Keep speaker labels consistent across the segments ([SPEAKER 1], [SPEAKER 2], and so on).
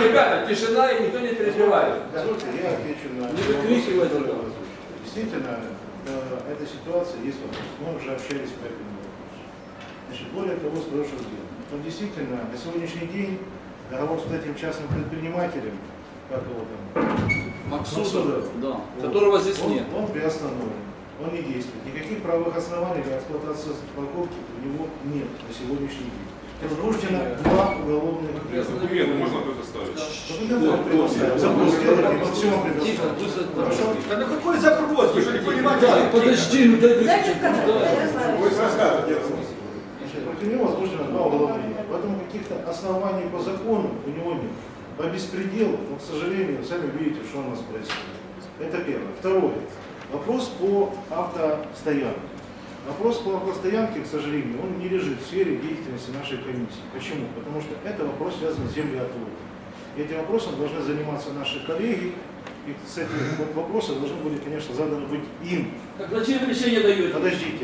[SPEAKER 1] ребята, тишина и никто не переживает.
[SPEAKER 2] Позвольте, я отвечу на...
[SPEAKER 1] Не выкрикивайте.
[SPEAKER 2] Действительно, эта ситуация есть вопрос. Мы уже общались по этому вопросу. Значит, более того, с прошлым делом. Он действительно на сегодняшний день договор с этим частным предпринимателем, как его там,
[SPEAKER 1] Максудов, да, которого здесь нет.
[SPEAKER 2] Он приостановлен, он не действует. Никаких правовых оснований для эксплуатации парковки у него нет на сегодняшний день. Возбуждено 2 уголовных дела.
[SPEAKER 3] Документы можно предоставить?
[SPEAKER 2] Запрос сделали, мы все вам предоставим. Хорошо?
[SPEAKER 4] Да на какой запрос? Вы же не понимаете?
[SPEAKER 1] Подожди, ну дай
[SPEAKER 5] Дайте сказать,
[SPEAKER 4] Вы рассказываете.
[SPEAKER 2] Против него возбуждено 2 уголовных дела. Поэтому каких-то оснований по закону у него нет. По беспределу, но, к сожалению, сами видите, что у нас происходит. Это первое. Второе. Вопрос по автостоянке. Вопрос по автостоянке, к сожалению, он не лежит в сфере деятельности нашей комиссии. Почему? Потому что это вопрос связан с землеотводом. И этим вопросом должны заниматься наши коллеги. И с этим вот вопросом должны были, конечно, заданы быть им.
[SPEAKER 1] Так зачем решение даете?
[SPEAKER 2] Подождите.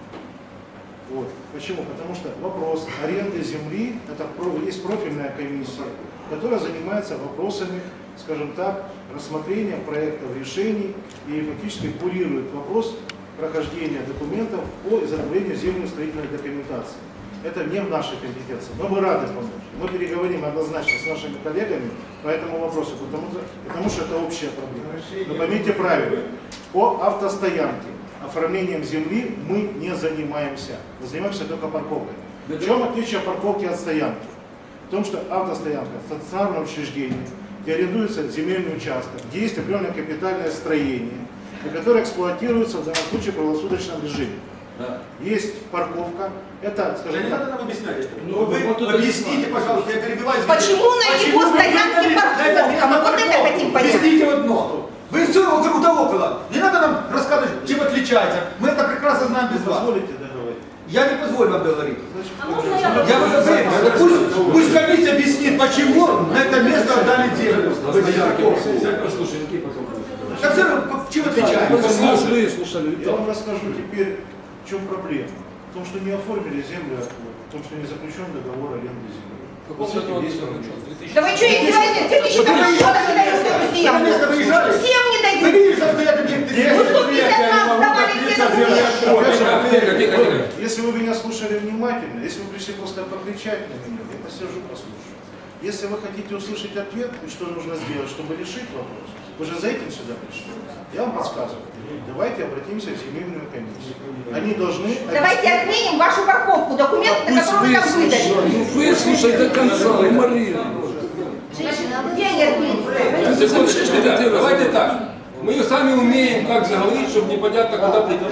[SPEAKER 2] Вот. Почему? Потому что вопрос аренды земли, это есть профильная комиссия, которая занимается вопросами, скажем так, рассмотрения проектов решений и фактически курирует вопрос прохождения документов по изготовлению землеустроительной документации. Это не в нашей компетенции. Но мы рады помочь. Мы переговорим однозначно с нашими коллегами по этому вопросу, потому что это общая проблема. Но поймите правильно, по автостоянке, оформлением земли мы не занимаемся. Мы занимаемся только парковкой. В чем отличие парковки от стоянки? В том, что автостоянка – стационарное учреждение, где арендуется земельный участок, где есть определенное капитальное строение, которое эксплуатируется в данном случае в круглосуточном режиме.
[SPEAKER 1] Да.
[SPEAKER 2] Есть парковка, это, скажем
[SPEAKER 4] Не
[SPEAKER 2] так,
[SPEAKER 4] надо нам объяснять это.
[SPEAKER 1] Ну,
[SPEAKER 4] Вы
[SPEAKER 1] вот это
[SPEAKER 4] объясните, пожалуйста, я перебиваю.
[SPEAKER 5] Почему на его стоянке парковка? Мы вот это хотим понять.
[SPEAKER 4] Объясните одно. Вы все вокруг да около. Не надо нам рассказывать, чем отличается. Мы это прекрасно знаем без вас.
[SPEAKER 2] позволите договорить.
[SPEAKER 4] Я не позволю вам говорить.
[SPEAKER 2] Значит,
[SPEAKER 4] Я вас говорю, пусть комиссия объяснит, почему на это место отдали землю.
[SPEAKER 1] Послушай, какие потом?
[SPEAKER 4] Да все равно, чем отличается?
[SPEAKER 1] Слушали.
[SPEAKER 2] я вам расскажу теперь, в чем проблема. В том, что не оформили землю, в том, что не заключен договор аренды земли. Вот с этим есть проблема.
[SPEAKER 5] Да вы что, издеваетесь? 2005 года не дают эту
[SPEAKER 4] Вы на место
[SPEAKER 5] землю.
[SPEAKER 4] выезжали?
[SPEAKER 5] Всем не
[SPEAKER 4] Вы
[SPEAKER 5] дают.
[SPEAKER 4] видите, что стоят объекты?
[SPEAKER 5] Ну, 150 раз давали все документы.
[SPEAKER 2] Если вы меня слушали внимательно, если вы пришли просто покричать на меня, я посижу, послушаю. Если вы хотите услышать ответ, и что нужно сделать, чтобы решить вопрос, вы же за этим сюда пришли. Я вам подсказываю. Давайте обратимся в земельную комиссию. Они должны...
[SPEAKER 5] Давайте отменим вашу парковку, документы, на которые вы там выдали.
[SPEAKER 1] Ну выслушай до конца, Марина.
[SPEAKER 5] Где они отменили?
[SPEAKER 1] Давайте так. Мы сами умеем как заговорить, чтобы непонятно, куда прийти.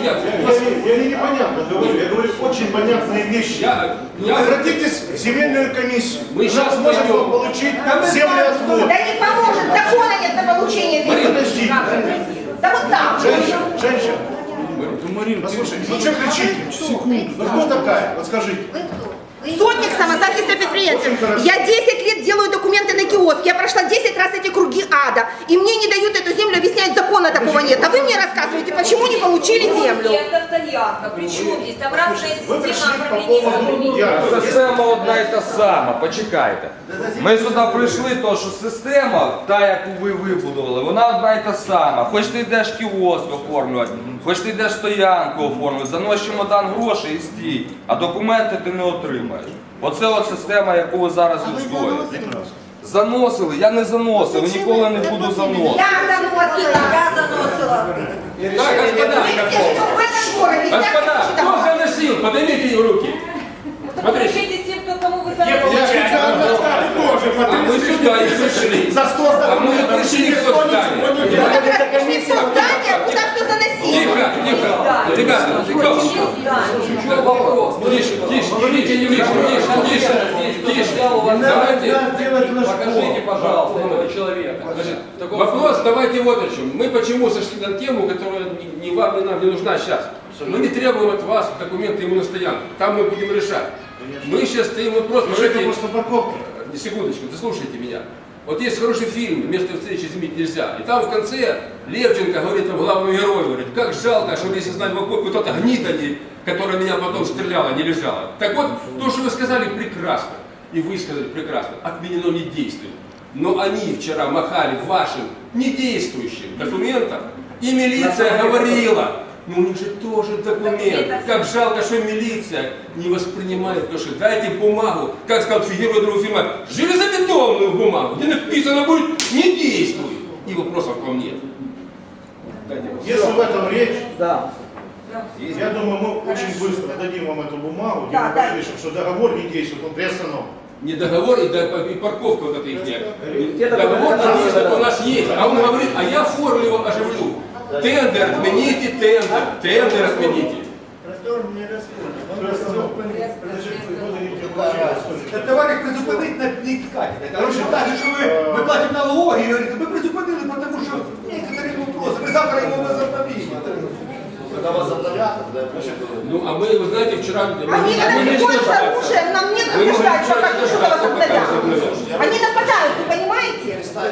[SPEAKER 2] Я не непонятно говорю, я говорю очень понятные вещи. Обратитесь в земельную комиссию.
[SPEAKER 1] Мы сейчас
[SPEAKER 2] можем
[SPEAKER 1] пойдем.
[SPEAKER 2] получить землеотвод.
[SPEAKER 5] Да не поможет, закона нет на получение земли.
[SPEAKER 2] Подождите.
[SPEAKER 5] Да вот так.
[SPEAKER 2] Женщина,
[SPEAKER 1] Марина,
[SPEAKER 2] послушайте, ну что кричите? Секунду. Ну кто такая? Вот скажите.
[SPEAKER 5] Сотник самозахиста предприятия. Я 10 лет делаю документы на киоск. Я прошла 10 раз эти круги ада. И мне не дают эту землю, объясняют, закона такого нет. А вы мне рассказываете, почему не получили землю.
[SPEAKER 6] Это стоянка. Причому здесь там разная
[SPEAKER 2] Ви
[SPEAKER 6] система
[SPEAKER 2] прийшли по
[SPEAKER 6] оформления
[SPEAKER 2] поводу...
[SPEAKER 6] землі.
[SPEAKER 7] Система одна і та сама, почекайте. Ми сюди прийшли, то що система, та яку ви вибудували, вона одна і та сама. Хоч ти йдеш кіоск оформлювати, хоч ти йдеш стоянку оформлювати, занось чемодан грошей і стій, а документи ти не отримаєш. Оце от система, яку ви зараз відстоюєте. Заносили, я не заносив, ніколи не буду заносити.
[SPEAKER 5] Я заносила.
[SPEAKER 1] Так, господа,
[SPEAKER 5] В этом городе.
[SPEAKER 1] господа, кто заносил? Поднимите руки. Смотрите.
[SPEAKER 6] Подключите тем, кто кому вы сами
[SPEAKER 1] А мы сюда и пришли. А мы не пришли в то здание.
[SPEAKER 5] Вы пришли в то здание, куда все заносили.
[SPEAKER 1] Тихо, тихо. Ребята, тихо. Вопрос. Тише, тише, не лишь, тише. Давайте.
[SPEAKER 8] Покажите, пожалуйста, этого человека.
[SPEAKER 1] Вопрос давайте вот о чем. Мы почему сошли на тему, которая ни вам, ни нам не нужна сейчас. Мы не требуем от вас документы ему на стоянку. Там мы будем решать. Мы сейчас стоим вопрос.
[SPEAKER 2] Это просто парковка.
[SPEAKER 1] Секундочку, дослушайте меня. Вот есть хороший фильм «Место встречи изменить нельзя». И там в конце Левченко говорит там главному герою, говорит, как жалко, что если знать в окопе, кто-то гнида, которая меня потом стреляла, не лежала. Так вот, то, что вы сказали, прекрасно. И вы сказали прекрасно. Отменено не действует. Но они вчера махали вашим недействующим документом, и милиция говорила, ну у них же тоже документ. Как жалко, что милиция не воспринимает, потому что дайте бумагу, как сказал герой другого фильма, железобетонную бумагу, где написано будет «не действуй». И вопросов к вам нет.
[SPEAKER 2] Если в этом речь,
[SPEAKER 8] Да.
[SPEAKER 2] я думаю, мы очень быстро дадим вам эту бумагу, где
[SPEAKER 5] Да,
[SPEAKER 2] мы
[SPEAKER 5] да.
[SPEAKER 2] напишем, что договор не действует, он приостановлен.
[SPEAKER 1] Не договор и парковка вот эта их. Договор что у нас есть. А он говорит, а я форму его оживлю. Тендер отмените, тендер отмените.
[SPEAKER 4] Товариш призупинить не тікати. Короче, каже, що ми платимо налоги, і говорить, ми призупинили, тому що некоторі вопроси, ми завтра його возобновимо.
[SPEAKER 2] Когда вас обновят,
[SPEAKER 1] Ну, а мы, вы знаете, вчера...
[SPEAKER 5] Они когда приходят с оружием, нам нет ждать, пока что-то возобновят. Они нападают, вы понимаете?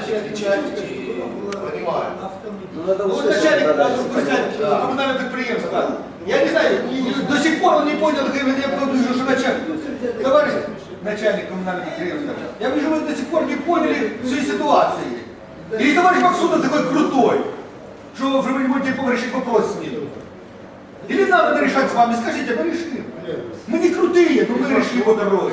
[SPEAKER 4] Вот начальник коммунального предприятия. Я не знаю, до сих пор он не понял, я вижу, что начальник. Товарищ начальник коммунального предприятия, я вижу, вы до сих пор не поняли всей ситуации. Или товарищ Максутов такой крутой, что вы не можете решить вопрос с ним. Или надо решать с вами, скажите, мы решим. Мы не крутые, но мы решим его дорогой.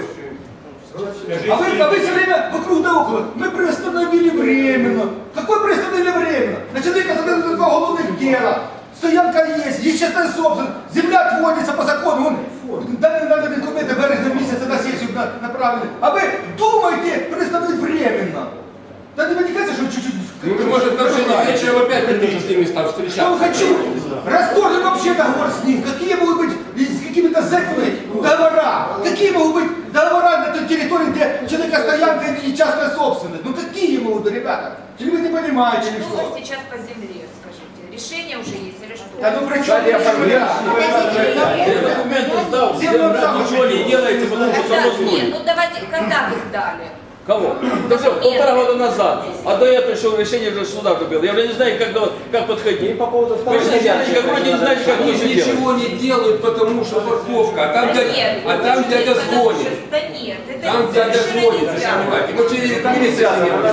[SPEAKER 4] А вы все время вокруг да около. Мы приостановили временно. Какое приостановили временно? На человека задают два головных дела. Стоянка есть частная собственность. Земля отводится по закону. Он дали документы в березне месяце на сессию направлены. А вы думаете приостановить временно? Да не кажется, что чуть-чуть...
[SPEAKER 1] Ну, вы, может, нарушение вечером опять придется с ними там
[SPEAKER 4] Что
[SPEAKER 1] встречаться.
[SPEAKER 4] вы хотите? Расторгнуть вообще договор с ним. Какие могут быть с какими-то зэками договора? Какие могут быть договора на той территории, где человекостоянка и частная собственность? Ну какие могут быть, ребята? Или вы не понимаете, или
[SPEAKER 6] Что
[SPEAKER 4] что?
[SPEAKER 6] сейчас по земле, скажите? Решение уже есть или что?
[SPEAKER 4] Да ну при чем земля?
[SPEAKER 8] Документы сдал,
[SPEAKER 4] Земля сам
[SPEAKER 8] ничего не делаете, потому что
[SPEAKER 6] Когда?
[SPEAKER 8] само
[SPEAKER 6] Нет,
[SPEAKER 8] звонит.
[SPEAKER 6] ну давайте, когда вы сдали?
[SPEAKER 8] Кого? Да все, 1,5 года назад. А до этого еще решение уже суда купил. Я уже не знаю, как подходить. Вы же не знаете, как вроде не знаете, как
[SPEAKER 1] Они
[SPEAKER 8] лучше делать.
[SPEAKER 1] ничего не делают, потому что парковка. А там
[SPEAKER 6] Да
[SPEAKER 1] дядя,
[SPEAKER 6] нет,
[SPEAKER 1] а там
[SPEAKER 6] вы
[SPEAKER 1] дядя
[SPEAKER 6] потому
[SPEAKER 1] звонит.
[SPEAKER 6] что- Да нет, это
[SPEAKER 1] Там дядя
[SPEAKER 6] совершенно
[SPEAKER 1] звонит,
[SPEAKER 6] не
[SPEAKER 1] вы
[SPEAKER 6] связано.
[SPEAKER 1] понимаете. Мы через милиция с ними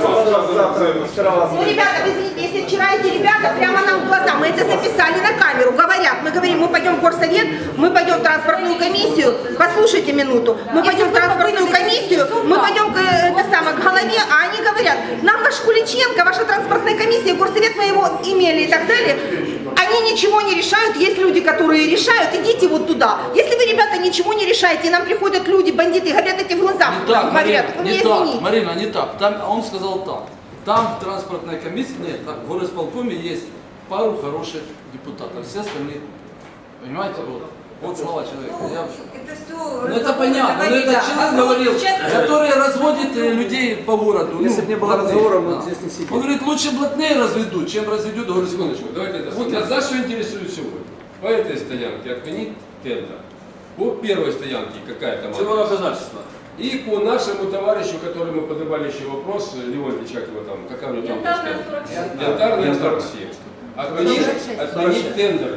[SPEAKER 5] Ну, ребята, вы извините, если вчера эти ребята прямо нам в глаза, мы это записали на камеру, говорят, мы говорим, мы пойдем в горсовет, мы пойдем в транспортную комиссию, послушайте минуту, мы пойдем в транспортную комиссию, мы пойдем к голове, а они говорят, нам ваш Куличенко, ваша транспортная комиссия, горсовет мы его имели и так далее, они ничего не решают, есть люди, которые решают, идите вот туда. Если вы, ребята, ничего не решаете, и нам приходят люди, бандиты, говорят эти в глаза,
[SPEAKER 3] Не так,
[SPEAKER 5] говорят,
[SPEAKER 3] Марина,
[SPEAKER 5] вы
[SPEAKER 3] не
[SPEAKER 5] меня
[SPEAKER 3] так,
[SPEAKER 5] извините.
[SPEAKER 3] Марина, не так. Там, он сказал так. Там транспортная комиссия, нет, там в горосполкоме есть пару хороших депутатов, все остальные, понимаете, вот слова человека.
[SPEAKER 6] Это все...
[SPEAKER 3] Ну это понятно, но этот человек говорил, который разводит людей по городу.
[SPEAKER 8] Если бы не было разговора, мы здесь не сидели.
[SPEAKER 3] Он говорит, лучше блатные разведут, чем разведут городскую.
[SPEAKER 1] Секундочку, давайте это. Вот нас знаешь, что интересует сегодня? По этой стоянке отменить тендер. По первой стоянке какая там
[SPEAKER 8] Всего обязательства.
[SPEAKER 1] и по нашему товарищу, который мы поднимали еще вопрос, Леонидович, как его там, какая у него там
[SPEAKER 6] Янтарная
[SPEAKER 1] стоянка?
[SPEAKER 6] 47.
[SPEAKER 1] Янтарная 47. Отменить тендеры.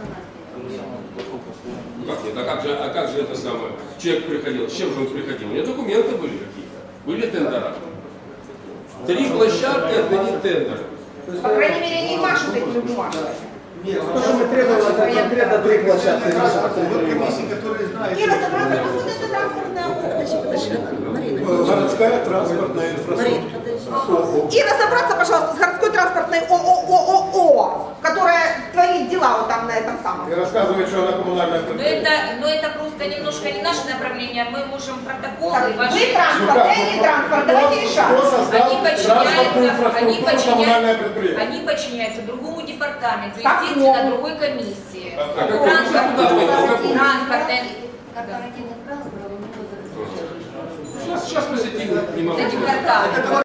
[SPEAKER 1] Ну как нет, а как же это самое? Человек приходил, с чем же он приходил? У него документы были какие-то, были тендера. 3 площадки отменить тендеры.
[SPEAKER 5] По крайней мере, не машут этими бумажками.
[SPEAKER 4] Конкретно 3 площадки. Комиссии, которые знают.
[SPEAKER 5] И разобраться, кто вот это транспортная
[SPEAKER 9] Городская транспортная инфраструктура.
[SPEAKER 5] И разобраться, пожалуйста, с городской транспортной ООО, которая творит дела вот там на этом самом.
[SPEAKER 9] И рассказывает, что она коммунальная предприятие.
[SPEAKER 6] Но это просто немножко не наше направление, мы можем протоколы
[SPEAKER 5] Так,
[SPEAKER 6] ваши...
[SPEAKER 5] вы транспорт, я не транспорт, давайте решать.
[SPEAKER 9] Кто создал транспортную
[SPEAKER 6] Они
[SPEAKER 9] инфраструктуру коммунальное предприятие?
[SPEAKER 6] они подчиняются другому департаменту,
[SPEAKER 5] Какому?
[SPEAKER 6] естественно, другой комиссии.
[SPEAKER 1] А какой?
[SPEAKER 6] Транспортная...
[SPEAKER 1] Сейчас мы сидим, не могу.
[SPEAKER 6] Департамент.